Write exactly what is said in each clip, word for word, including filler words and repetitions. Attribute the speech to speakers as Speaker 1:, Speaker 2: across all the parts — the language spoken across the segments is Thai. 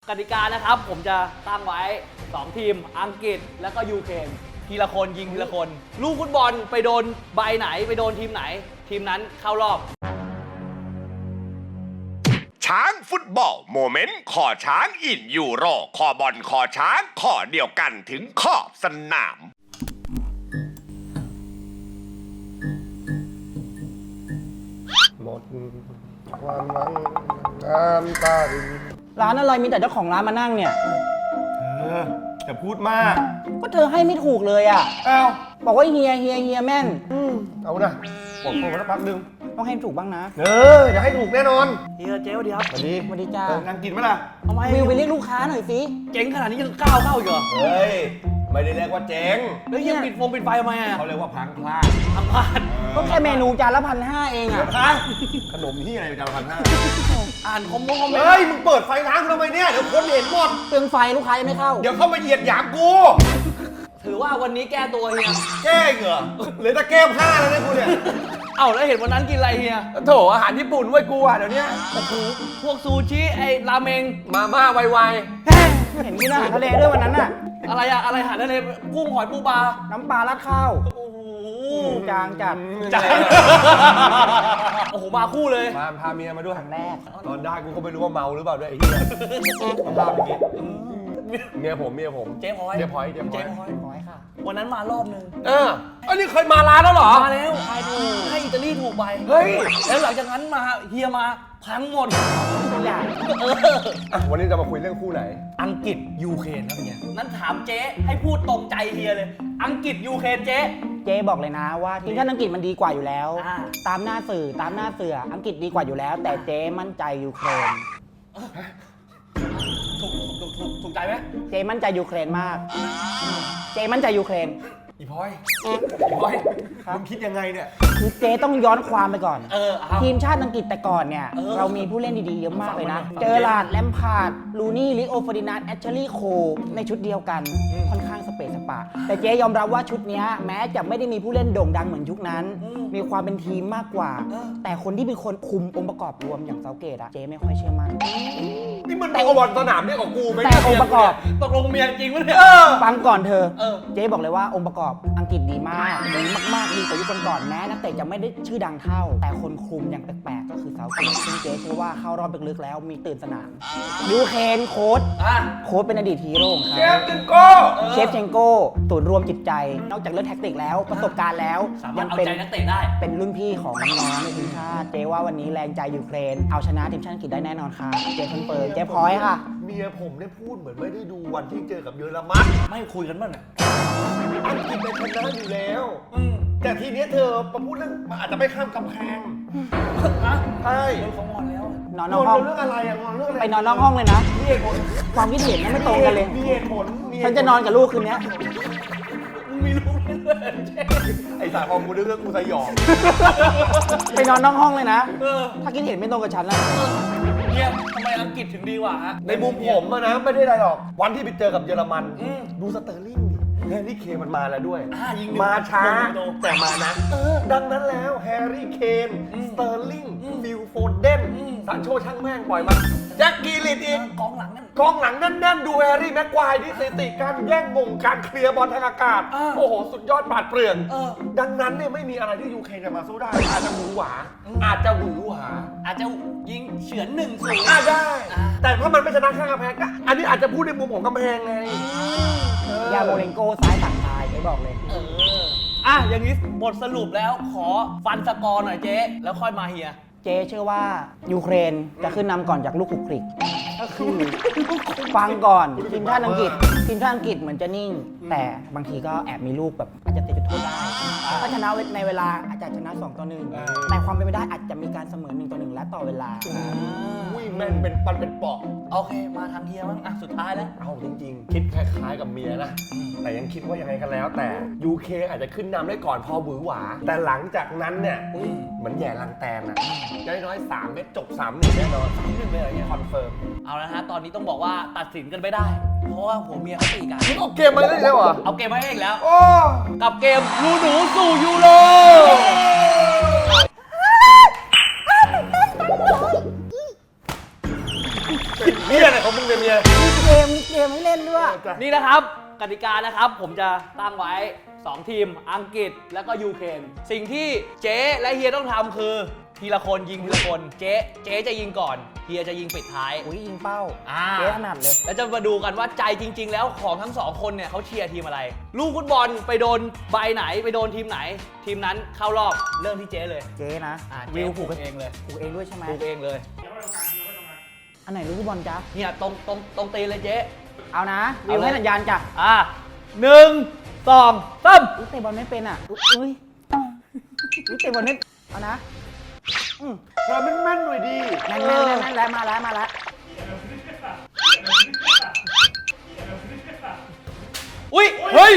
Speaker 1: กติกานะครับผมจะตั้งไว้สองทีมอังกฤษแล้วก็ยูเครนทีละคนยิงทีละคน ลูกฟุตบอลไปโดนใบไหนไปโดนทีมไหน ทีมนั้นเข้ารอบ
Speaker 2: ช้างฟุตบอลโมเมนต์ขอช้างอินยูโรขอบอลขอช้างขอเดียวกันถึงขอบสนาม
Speaker 3: หมดความหวังน้ำตาริน
Speaker 4: ร้านอะไรมีแต่เจ้าของร้านมานั่งเนี่ย
Speaker 3: เอออย่าพูดมาก
Speaker 4: ก็เธอให้ไม่ถูกเลยอ่ะ
Speaker 3: อ้าว
Speaker 4: บอกว่าเฮียเฮียเฮียแม่น
Speaker 3: อืมเอานะบอกผมสักพักหนึง
Speaker 4: ต้องให้ถูกบ้างนะ
Speaker 3: เอออย่าให้ถูกแน่นอน
Speaker 1: เฮียเจ๊สวัสดีครับ
Speaker 3: สวัสดี
Speaker 4: สวัสดีจ้า
Speaker 3: เออนั่งกินไหมล่ะ
Speaker 1: ทำไม
Speaker 4: วิวไปเรียกลูกค้าหน่อยสิ
Speaker 1: เจ๋งขนาดนี้ยังก้าวเข้าอีกเหรอ
Speaker 3: เฮ้ยไม่ได้เรียกว่าเจ๊ง
Speaker 1: แล้วเฮียปิดโฟมปิดไฟทำไมอ่ะ
Speaker 3: เขาเรียกว่าพังพลาด
Speaker 1: ทำพลาด
Speaker 4: ก็แค่เมนูจานละพันห้าเองอ่ะ
Speaker 3: ฮะขนมที่อะไรจานละพันห้า
Speaker 1: อ่านคอมเมนต์คอมเมน
Speaker 3: เฮ้ย
Speaker 1: ต์
Speaker 3: มึงเปิดไฟร้านกูทำไมเนี่ยเดี๋ยวคนเห็นหมด
Speaker 4: เปลืองไฟลูกค้ายังไม่เข้า
Speaker 3: เดี๋ยวเข้ามาเหยียดหยามกู
Speaker 1: ถือว่าวันนี้แก้ตัวเฮีย
Speaker 3: แก้เหรอหรือตะแก้ผ้าแล้วเนี่ยกูเนี่ย
Speaker 1: เอ้าแล้วเห็นวันนั้นกินอะไรเฮีย
Speaker 3: โถอาหารญี่ปุ่นไว้ยกูอ่ะเดี๋ยวนี้
Speaker 1: โอ้โหพวกซูชิไอ้ราเมง
Speaker 3: มาม่าไว
Speaker 4: เห็นกินอาหารทะเลด้วยวันนั้นน่ะ
Speaker 1: อะไรอะอะไรหาได้เลยกุ้งหอยปูปลา
Speaker 4: น้ำปลาราดข้าว
Speaker 1: โอ้โห
Speaker 4: จางจัด
Speaker 1: จ้าโอ้โหมาคู่เลย
Speaker 3: มาพาเมียมาด้วย
Speaker 4: ครั้งแรก
Speaker 3: ตอนได้กูก็ไม่รู้ว่าเมาหรือเปล่าด้วยไอ้เหี้ยเอาภาพไปกินเมียผมเมียผม
Speaker 1: เจ๊พลอย
Speaker 3: เจ๊พลอยเจ๊พลอย
Speaker 1: เจ๊พลอย
Speaker 4: ขอให้ค่ะ
Speaker 1: วันนั้นมารอบนึง
Speaker 3: เอออันนี้เคยมาร้านแล้วเหรอ
Speaker 1: มาแล้วทายถูกให้อิตาลีถูกไป
Speaker 3: เฮ้ย
Speaker 1: แล้วหลังจากนั้นมาเฮียมาพังหมด
Speaker 4: ตัวอย่าง
Speaker 1: เออ
Speaker 3: อ่ะวันนี้จะมาคุยเรื่องคู่ไหน
Speaker 1: อังกฤษยูเครนครับเฮียนั้นถามเจ๊ให้พูดตรงใจเฮียเลย อังกฤษยูเครนเจ๊
Speaker 4: เจ๊บอกเลยนะว่าทีมชาติอังกฤษมันดีกว่าอยู่แล้ว
Speaker 1: อ่า
Speaker 4: ตามหน้าสื่อตามหน้าเสืออังกฤษดีกว่าอยู่แล้ว แต่เจ๊มั่นใจยูเครน
Speaker 1: ถูกถูกถูกถูกใจไหม
Speaker 4: เจ๊มั่นใจยูเครนมาก เจ๊มั่นใจยูเครน
Speaker 3: อีพลอยอีพลอย
Speaker 4: ครับ
Speaker 3: มึงคิดยังไงเนี่ย
Speaker 4: คือเจ๊ต้องย้อนความไปก่อน
Speaker 1: เออเอา
Speaker 4: ทีมชาติอังกฤษแต่ก่อนเนี่ย
Speaker 1: เออ
Speaker 4: เรามีผู้เล่นดีๆเยอะมากเลยนะ
Speaker 1: ฟังมาหน่อย
Speaker 4: เจอร์ลาร์ดแลมพาร์ดลูนี่ลิโอเฟอร์ดินานด์แอชเชอรี่โคในชุดเดียวกัน ค่อนข้างสเปซสปาแต่เจ๊ยอมรับว่าชุดเนี้ยแม้จะไม่ได้มีผู้เล่นโด่งดังเหมือนยุคนั้น มีความเป็นทีมมากกว่า แต่คนที่เป็นคนคุมองค์ประกอบรวมอย่างเซาเกตอะเจ๊ไม่ค่อยเชื่อมั่น
Speaker 3: นี่มันแต่บอลสนามเนี่ยกับกูไหม
Speaker 4: แต่องค์ประกอบ
Speaker 1: ตกลงเมียจริงปะเนี่ย
Speaker 4: ฟังก่อนเธอ
Speaker 1: เออ
Speaker 4: เจ๊บอกเลยว่าองค์ประกอบอังกฤษดีมากดีมากๆดีกว่ายุคก่อนๆแม้นักเตะจะไม่ได้ชื่อดังเท่า แต่คนคุมอย่างแปลกๆก็คือเซาเกตซึ่งเจ๊เชื่อว่าเข้ารอบลึกๆแล้วมีตื่นสนามยูเครนโค้ช
Speaker 1: อ่ะ
Speaker 4: โค้ชเป็นอดีตฮีโร่ของ
Speaker 3: เช
Speaker 4: เขา
Speaker 3: ฟจิงโก้
Speaker 4: เชฟเชงโก้ศูนย์รวมจิตใจ นอกจากเรื่องแท็กติกแล้วประสบการณ์แล้ว
Speaker 1: สามาร
Speaker 4: ยั
Speaker 1: ถเอา
Speaker 4: เป็น
Speaker 1: ใจนักเตะได้
Speaker 4: เป็นรุ่นพี่ของน้องๆในทีมชาติเจ๊ว่าวันนี้แรงใจยูเครนเอาชนะทีมชาติอังกฤษได้แน่นอนค่ะเจ๊คอนเฟิร์มเจ๊พอยต์ค่ะ
Speaker 3: เมียผมได้พูดเหมือนไม่ได้ดูวันที่เจอกับเยอรมัน
Speaker 1: ไม่คุยกันบ้างเนี่ย
Speaker 3: อังกฤษเป็นชนะอยู่แล้ว
Speaker 1: อืม
Speaker 3: แต่ทีเนี้ยเธอมาพูดเรื่องมันอาจจะไม่ข้ามกำแพง
Speaker 1: ฮะ
Speaker 3: ใช่
Speaker 1: โดนเขางอนแล้ว
Speaker 4: นอนน
Speaker 3: น
Speaker 4: อก
Speaker 3: อน
Speaker 4: ห้อง
Speaker 3: เรื่องอะไรอะนอนเรื่องอะไร
Speaker 4: ไปนอนนอกห้องเลยนะ
Speaker 3: มีเหตุผล
Speaker 4: ความคิดเห็นไม่ตรงกันเลย
Speaker 3: มีเหตุผลมีเหตุผล
Speaker 4: ฉันจะนอนกับลูกคืนนี้
Speaker 1: มึงมีลูกด้วยเจ๊
Speaker 3: ไอ้สายของกูเรื่องกูสยอง
Speaker 4: ไปนอนนอกห้องเลยนะ
Speaker 1: เออ
Speaker 4: ถ้าคิดเห็นไม่ตรงกับฉันนะ
Speaker 1: เนี่ยทำไมอังกฤษถึงดีกว่าฮะ
Speaker 3: ในมุมผมอะนะไม่ได้อะไรหรอก วันที่ไปเจอกับเยอรมัน
Speaker 1: อืม
Speaker 3: ดูสเตอร์ลิงดิแฮร์รี่เคนมันมาแล้วด้วย
Speaker 1: อ่ายิงหนึ่ง
Speaker 3: มาช้า
Speaker 1: โดน
Speaker 3: แต่มานะดังนั้นแล้วแฮร์รี่เคน
Speaker 1: อืม
Speaker 3: สเตอร์ลิง
Speaker 1: อืม
Speaker 3: ฟิลโฟเดน
Speaker 1: อืม
Speaker 3: ซานโชช่างแม่งปล่อยมาแจ็คกีลิตอีก
Speaker 1: กองหลังนั่น
Speaker 3: กองหลังแน่นๆดูแฮร์รี่แม็กควายที่สถิติการแย่งมงการเคลียร์บอลทางอากาศ
Speaker 1: อ่า
Speaker 3: โอ้โห สุดยอดปราดเปรื่อง
Speaker 1: เออ
Speaker 3: ดังนั้นเนี่ยไม่มีอะไรที่ยูเครนจะมาสู้ได้ อาจจะหวือหวา
Speaker 1: อืม
Speaker 3: อาจจะหวือหวา
Speaker 1: อาจจะยิงเฉือนหนึ่งศูนย์
Speaker 3: อ่ะได้
Speaker 1: อ่า
Speaker 3: แต่ถ้ามันไม่ชนะข้างกำแพงก็อันนี้อาจจะพูดในมุมของกำแพงไงเออ
Speaker 4: ยาโมเลนโก้ซ้ายสั่งตายเจ๊บอกเลย
Speaker 1: เออ อ่ะ อย่างนี้บทสรุปแล้วขอฟันสกอร์หน่อยเจ๊ แล้วค่อยมาเฮีย
Speaker 4: เจ๊เชื่อว่ายูเครนจะขึ้นนำก่อนจากลูกขุกคลิกก็คือฟังก่อนทีมชาติอังกฤษทีมชาติอังกฤษเหมือนจะนิ่ง แต่บางทีก็แอบมีลูกแบบอาจจะติดจุดโทษได้ถ้าชนะในเวลาอาจจะชนะสองต่อหนึ่งแต่ความเป็นไปได้อาจจะมีการเสมอหนึ่งต่อหนึ่งและต่อเวลา
Speaker 3: อุ้ยแม่งเป็นปันเป็นปอก
Speaker 1: โอเค มาทางเฮียบ้างอ่ะ สุดท้ายแล้ว
Speaker 3: เอาจริงๆ คิดคล้ายๆกับเมียนะ แต่ยังคิดว่ายังไงกันแล้ว แต่ ยู เค อาจจะขึ้นนำได้ก่อนพอหวือหวา แต่หลังจากนั้นเนี่ยเหมือนแย่ลังแตนอะน้อยๆสามเม็ดจบสามหนึ่งแน่นอนสามหนึ่งเลยอะไรเงี้ยคอนเฟิร์ม
Speaker 1: เอาละฮะ ตอนนี้ต้องบอกว่าตัดสินกันไม่ได้ เพราะว่าหัวเมียเขาตีกัน
Speaker 3: มึงเอาเกมมาได้แล้วเหรอ
Speaker 1: เอาเกมมาให้อีกแล้ว
Speaker 3: โอ้
Speaker 1: กับเกมลูหนูสู่ยูโร
Speaker 3: เป็นเฮียอะไรของมึงเนี่ยเมีย
Speaker 4: มีเกมมีเกมให้เล่นด้วย
Speaker 1: นี่นะครับกติกานะครับผมจะตั้งไว้สองทีมอังกฤษแล้วก็ยูเครนสิ่งที่เจ๊และเฮียต้องทำคือทีละคนยิงทีละคนเจ๊เจ๊จะยิงก่อนเฮียจะยิงปิดท้าย
Speaker 4: อุ้ยยิงเป้า
Speaker 1: อ่า
Speaker 4: เจ๊ถนัดเลย
Speaker 1: แล้วจะมาดูกันว่าใจจริง ๆ แล้วของทั้งสองคนเนี่ยเขาเชียร์ทีมอะไร ลูกฟุตบอลไปโดนใบไหนไปโดนทีมไหน ทีมนั้นเข้ารอบเริ่มที่เจ๊เลย
Speaker 4: เจ๊นะ
Speaker 1: อ่า
Speaker 4: วิ
Speaker 1: เจ๊
Speaker 4: ว
Speaker 1: ผู
Speaker 4: ผู
Speaker 1: ก
Speaker 4: ก
Speaker 1: เองเลย
Speaker 4: ผูกเองด้วยใช่ไหม
Speaker 1: ผูกเองเลย
Speaker 4: อันไหนลูกฟุตบอลจ๊ะ
Speaker 1: เนี่ยตรงตรงตรงตีนเลยเจ๊
Speaker 4: เอานะ วิ
Speaker 1: เอา
Speaker 4: ว
Speaker 1: เลย
Speaker 4: ให้สัญญาณจ้ะ
Speaker 1: อ่าหนึ่งสองสาม
Speaker 4: อุ๊ยเตะบอลไม่เป็นอ่ะอุ๊ยอุ้ยอุ๊ยเตะบอลไม่เอานะอืม
Speaker 3: เราแม่นๆหน่อยดี
Speaker 4: แม่นแม่นแม่นแม่นแล้วมาแล้วมาแล้ว
Speaker 1: อุ้ยเฮ้ย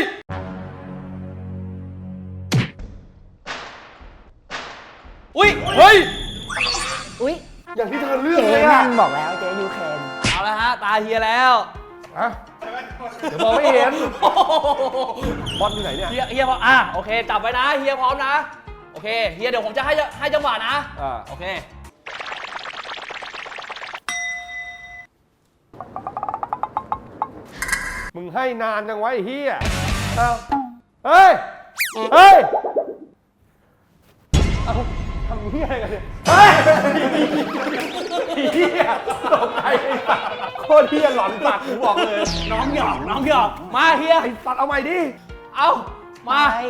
Speaker 1: อุ้ยเฮ้ย
Speaker 4: อุ้ย
Speaker 3: อย่างที่เธอเลือก
Speaker 4: เจ๊
Speaker 3: เลย
Speaker 4: แม่
Speaker 3: อะ
Speaker 4: นบอกแล้วเจ๊ยูเครน
Speaker 1: เอาละฮะตาเฮียแล้ว
Speaker 3: อะเดี๋ยวมองไม่เห็น บอลอยู่ไหนเนี่ย
Speaker 1: เฮียเฮียบอกอ่ะโอเคจับไว้นะเฮียพร้อมนะโอเคเฮียเดี๋ยวผมจะให้ให้จังหวะนะ
Speaker 3: อ่า
Speaker 1: โอเค
Speaker 3: มึงให้นานจังไวะไอ้เฮียเอ้าเฮ้ย เฮ้ย เอ้าทำเฮียอะไรกันเนี่ย เฮ้ยเฮียตกใจไอ้สัสโคตรเฮียหลอนสัตว์กูบอกเลย
Speaker 1: น้องหยอกน้องหยอกมาเฮีย
Speaker 3: ไอ้สัตว์เอาใหม่ดิ
Speaker 1: เอามา
Speaker 4: ไป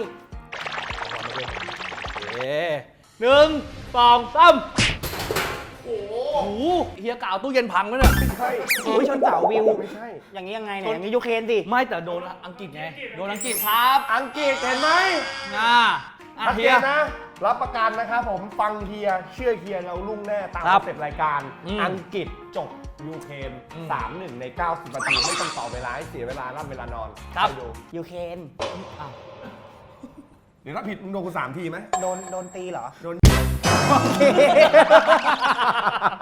Speaker 1: เอ๊หนึ่งสองสามโอ้โหเฮียกล่าวตู้เย็นพังแล้วเนี่ย
Speaker 3: ไม่ใช่
Speaker 4: อุ้ยชนเสาวิว
Speaker 3: ไม่ใช่
Speaker 4: อย่างนี้ยังไงเนี่ยอย่างนี้ยูเครนสิ
Speaker 1: ไม่แต่โดนอังกฤษไงโดนอังกฤษครับ
Speaker 3: อังกฤษเห็นไหม
Speaker 1: อ่าอ่ะ
Speaker 3: ชัด
Speaker 1: เฮี
Speaker 3: เจ
Speaker 1: ย
Speaker 3: นนะ รับประกันนะครับผมฟังเฮียเชื่อเฮียเราลุ่งแน่ตาม
Speaker 1: ครับ
Speaker 3: คอนเซ็ปต์รายการ
Speaker 1: อืม
Speaker 3: อังกฤษจบยูเครน
Speaker 1: อืม
Speaker 3: สามหนึ่งในเก้าสิบนาทีไม่ต้องต่อเวลาให้เสียเวลาร่ำเวลานอน
Speaker 1: ครับ
Speaker 3: ไปดู
Speaker 4: ยูเครน
Speaker 1: อ้าว
Speaker 3: เดี๋ยวถ้าผิดมึงโดนกูสามทีไหม
Speaker 4: โดนโดนตีเหรอ
Speaker 3: โดน
Speaker 4: โอเค